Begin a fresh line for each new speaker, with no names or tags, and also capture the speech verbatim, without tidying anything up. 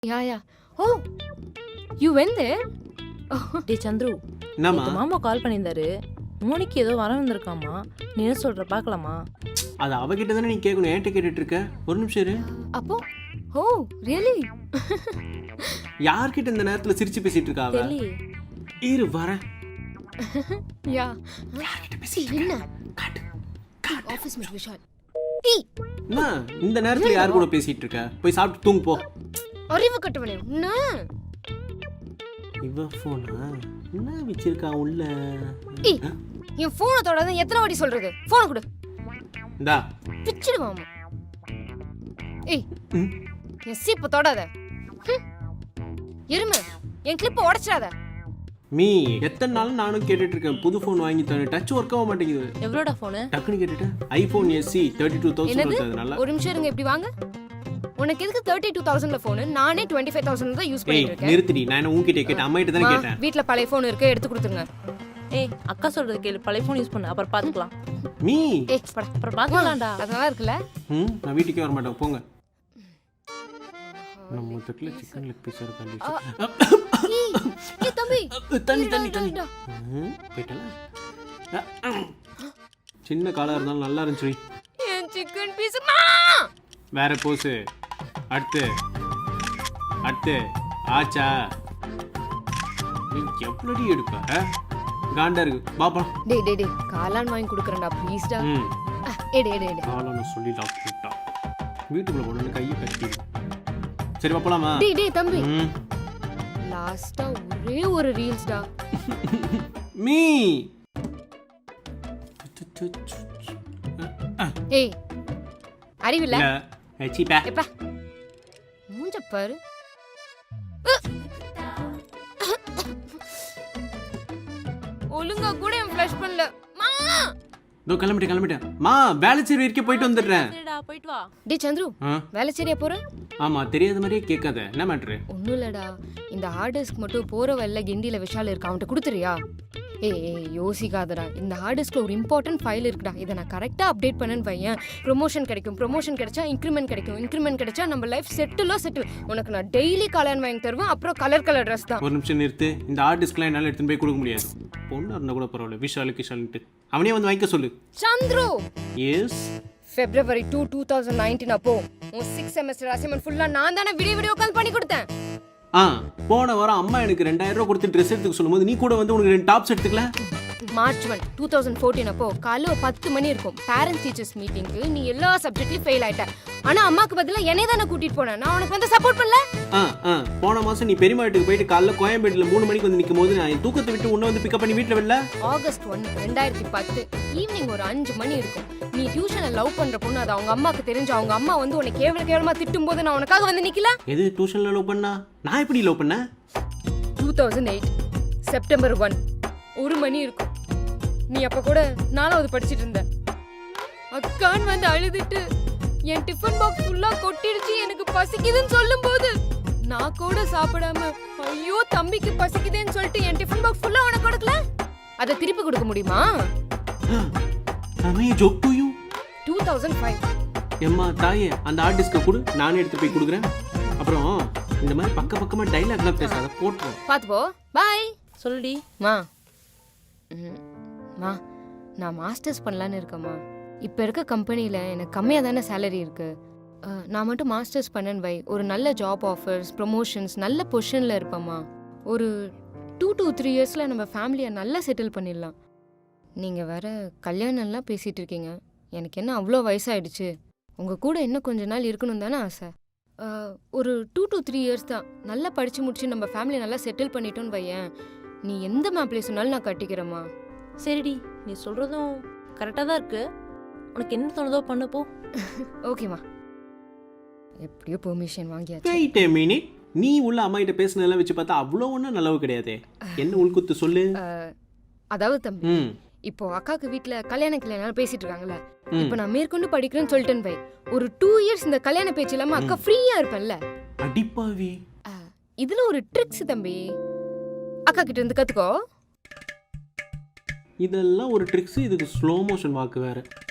Yeah, yeah. Oh, you went there?
டே சந்துரு,
என்னம்மா
நேத்து மாமா கால் பண்ணியிருந்தாரு. மோனிக்கு ஏதோ வர வந்திருக்காமா. நீ என்ன சொல்ற பார்க்கலாமா?
அது அவகிட்ட தானே நீ கேட்கணும், ஏன்ட்ட கேட்டுட்டு இருக்க? ஒரு நிமிஷம் இரு.
அப்போ oh, really?
யார்கிட்ட இந்த நேரத்துல சிரிச்சு பேசிட்டு இருக்கா அவ?
தெரியலையே.
இரு வரேன்.
Yeah.
யார்கிட்ட
See,
பேசிட்டு இருக்க?
என்ன?
காட்டு.
Office mate Vishal.
என்ன இந்த நேரத்துல யார் கூட பேசிட்டு இருக்க? போய் சாப்பிட்டு தூங்கு போ.
அறிவு கட்டவனே. என்ன?
இவ போனா என்ன வச்சிருக்கா உள்ள?
ஏய், என் போனை தொடாத எத்தனை வாட்டி சொல்றது? போனை கொடு.
இந்தா.
பிச்சிடுவாமா. ஏய்,
ம்.
என் சீப்பை தொடாத. ஹம். எருமை, என் கிளிப்பை உடைச்சிடாத.
மீ எத்தனை நாள் நானும் கேட்டுட்டு இருக்கேன் புது ஃபோன் வாங்கி தரேன், டச் ஒர்க் ஆக மாட்டேங்குது.
எவ்வளோடா ஃபோனு?
டக்குன்னு கேட்டுட்டேன் iPhone S E thirty two thousand வருது. நல்லா
ஒரு நிமிஷம் இருங்க, இப்படி வாங்க. உனக்கு எதுக்கு தேர்ட்டி டூ தௌசண்ட்ல போனு? நானே டுவெண்ட்டி ஃபைவ் தௌசண்ட் தான் யூஸ்
ஏய்
பண்ணிட்டு இருக்கேன்.
நிறுத்திடி, நான் என்ன உன்கிட்ட கேட்டேன், அம்மா கிட்ட தானே
மா,
கேட்டேன்.
வீட்ல பழைய போன் இருக்கு, எடுத்து கொடுத்துருங்க.
ஏய், அக்கா சொல்றது கேளு. பழைய ஃபோன் யூஸ் பண்ணு, அப்புறம் பார்த்துக்கலாம்.
மீ
ஏய், பட.
அப்புறம் பார்த்துக்கலாம்டா.
அது நல்லா இருக்குல்ல?
ம் நான் வீட்டுக்கே வர மாட்டேன், போங்க. நம்ம தட்டுல சிக்கன் லெக் பீஸ் இருக்கு.
ஏய், ஏய் தம்பி,
தண்ணி
இருடா,
தண்ணி
இருடா,
தண்ணி
இருடா.
ம், போயிட்டல. சின்ன காலா இருந்தாலும் நல்லா இருந்துச்சு.
என் சிக்கன் பீஸ்.
வேற போஸ். அடுத்து அடுத்து ஆச்சா நீ எவ்வளோடி எடுப்ப? காண்டா இருக்கு பாப்பா.
டேய் டேய் டேய், காளான் வாங்கி கொடுக்குறேன்டா ப்ளீஸ்டா.
ம்
ஏடு ஏடு ஏடு.
காளான்னு சொல்லி லாக் போட்டா வீட்டுக்குள்ள போன கையை கட்டி. சரி பாப்பலாமா?
டேய் டேய் தம்பி,
ம்
லாஸ்டா ஒரே ஒரு ரீல்ஸ்டா.
மீ
ஏய், அறிவில்ல?
இல்ல ஏச்சி பே.
எப்பா மூஞ்ச பாரு. ஒழுங்கா கூட என் ஃப்ளஷ் பண்ணல. மா
இதோ கிளம்பிட்டேன் கிளம்பிட்டேன். மா வேலைச்சேரி வரைக்கும் போயிட்டு வந்துடுறேன்.
சரிடா, போயிட்டு வா.
டேய் சந்துரு,
ஆ
வேலை சரியா போற?
ஆமா தெரியாத மாதிரியே கேட்காத. என்ன மேட்ரு?
ஒன்றும் இல்லடா, இந்த ஹார்ட் டிஸ்க் மட்டும் போகிற வழியில் கிண்டியில் விஷால் இருக்கா, அவன்கிட்ட கொடுத்துறியா? ஏய் ஏய் யோசிக்காதடா, இந்த ஹார்ட் டிஸ்கில் ஒரு இம்பார்ட்டன்ட் ஃபைல் இருக்குடா, இதை நான் கரெக்டாக அப்டேட் பண்ணேன்னு வையன், ப்ரொமோஷன் கிடைக்கும், ப்ரொமோஷன் கிடைச்சா இன்க்ரிமெண்ட் கிடைக்கும், இன்க்ரிமெண்ட் கிடைச்சா நம்ம லைஃப் செட்டிலோ செட்டில். உனக்கு நான் டெய்லி கல்யாணம் வாங்கி தருவேன், அப்புறம் கலர் கலர் ட்ரெஸ் தான்.
ஒரு நிமிஷம் நிறுத்து. இந்த ஹார்ட் டிஸ்க்லாம் என்னால் எடுத்துன்னு போய் கொடுக்க முடியாது. பொண்ணு இருந்தால் கூட பரவாயில்ல, விஷாலு கிஷாலுன்ட்டு அவனே வந்து வாங்கிக்க சொல்லு.
Chandru,
yes
February two two thousand nineteen அப்போ உன் சிக்ஸ் செமஸ்டர் அசைன்மெண்ட் ஃபுல்லாக நான் தானே வீடியோ வீடியோ கால் பண்ணி கொடுத்தேன்.
ஆ போன வாரம் அம்மா எனக்கு ரெண்டாயிரம் ரூபா கொடுத்து ட்ரெஸ் எடுத்துக்க சொல்லும்போது நீ கூட வந்து உனக்கு ரெண்டு டாப்ஸ் எடுத்துக்கல.
March one two thousand fourteen அப்போ காலைல ஒரு பத்து மணி இருக்கும், பேரண்ட்ஸ் டீச்சர்ஸ் மீட்டிங்க்கு நீ எல்லா சப்ஜெக்ட்லையும் ஃபெயில் ஆயிட்ட. ஆனா அம்மாக்கு பதிலாக என்னை தானே கூட்டிட்டு போனேன், நான் உனக்கு வந்து சப்போர்ட் பண்ணல.
ஆ ஆ போன மாசம் நீ பெரியம்மா வீட்டுக்கு போயிட்டு காலைல கோயம்பேட்டில் மூணு மணிக்கு வந்து நிற்கும் போது நான் என் தூக்கத்தை விட்டு உன்னை வந்து பிக்கப் பண்ணி வீட்டில் வரல.
ஆகஸ்ட் ஒன்று ரெண்டாயிரத்தி பத்து ஈவினிங் ஒரு அஞ்சு மணி இருக்கும், நீ டியூஷனை லவ் பண்ற பொண்ணு அது அவங்க அம்மாக்கு தெரிஞ்சு அவங்க அம்மா வந்து உன்னை கேவல கேவலமா திட்டும் போது நான் உனக்காக வந்து நிக்கல.
எது டியூஷன்ல லவ் பண்ணா? நான் எப்படி லவ் பண்ண?
Two thousand eight September one ஒரு மணி இருக்கும், நீ அப்ப கூட நாலாவது படிச்சிட்டு இருந்த. அக்கான் வந்து அழுதுட்டு என் டிஃபன் பாக்ஸ் ஃபுல்லா கொட்டிடுச்சு, எனக்கு பசிக்குதுன்னு சொல்லும் போது நான் கூட சாப்பிடாம ஐயோ தம்பிக்கு பசிக்குதுன்னு சொல்லிட்டு என் டிஃபன் பாக்ஸ் ஃபுல்லா உனக்கு கொடுக்கல. அதை திருப்பி கொடுக்க முடியுமா?
I joke to you.
Two thousand five
எம்மா தாயே அந்த ஹார்ட் டிஸ்கை கொடு, நானே எடுத்து போய் கொடுக்குறேன். அப்புறம் இந்த மாதிரி பக்க பக்கமா டைலாக்லாம் பேசாத, போட்டுரும்.
பாத்து போ. பாய்.
சொல்லுடி.
மா ம், மா நான் மாஸ்டர்ஸ் பண்ணலான்னு இருக்கேம்மா. இப்போ இருக்க கம்பெனியில் எனக்கு கம்மியாக தானே சேலரி இருக்குது. நான் மட்டும் மாஸ்டர்ஸ் பண்ணேன்னு வை, ஒரு நல்ல ஜாப் ஆஃபர்ஸ், ப்ரொமோஷன்ஸ், நல்ல பொசிஷனில் இருப்பேம்மா. ஒரு டூ டூ த்ரீ இயர்ஸில் நம்ம ஃபேமிலியை நல்லா செட்டில் பண்ணிடலாம். நீங்கள் வேற கல்யாணம்லாம் பேசிகிட்டு இருக்கீங்க, எனக்கு என்ன அவ்வளோ வயசாகிடுச்சு, உங்கள் கூட இன்னும் கொஞ்ச நாள் இருக்கணும் தானே ஆசை. ஒரு டூ டூ த்ரீ இயர்ஸ் தான், நல்லா படித்து முடிச்சு நம்ம ஃபேமிலியை நல்லா செட்டில் பண்ணிட்டோன்னு வையேன், நீ எந்த மாப்பிள்ளை சொன்னாலும் நான் கட்டிக்கிறேம்மா.
சரிடி, நீ சொல்றதும் கரெக்டாக தான் இருக்கு. உனக்கு என்ன தோணுதோ பண்ணு போ.
ஓகேம்மா, எப்படியோ பெர்மிஷன் வாங்கியாச்சு.
Wait a minute. நீ உள்ள அம்மா கிட்ட பேசுனதெல்லாம் வச்சு பார்த்தா அவ்வளோ ஒன்றும் நல்லவு கிடையாது. என்ன உள்குத்து சொல்லு.
அதாவது தம்பி,
ம்
இப்போ அக்காக்கு வீட்ல கல்யாண கல்யாணம் பேசிட்டு இருக்காங்கல்ல,
ம்.
இப்போ நான் மேற்கொண்டு படிக்கிறேன்னு சொல்லிட்டேன் பை, ஒரு டூ இயர்ஸ் இந்த கல்யாண பேச்சு இல்லாம அக்கா ஃப்ரீயா இருப்பேன்ல.
அடிப்பாவி.
இதுல ஒரு ட்ரிக்ஸ் தம்பி, அக்கா கிட்ட இருந்து கத்துக்கோ.
இதெல்லாம் ஒரு ட்ரிக்ஸ், இதுக்கு ஸ்லோ மோஷன் வாக்கு வேற.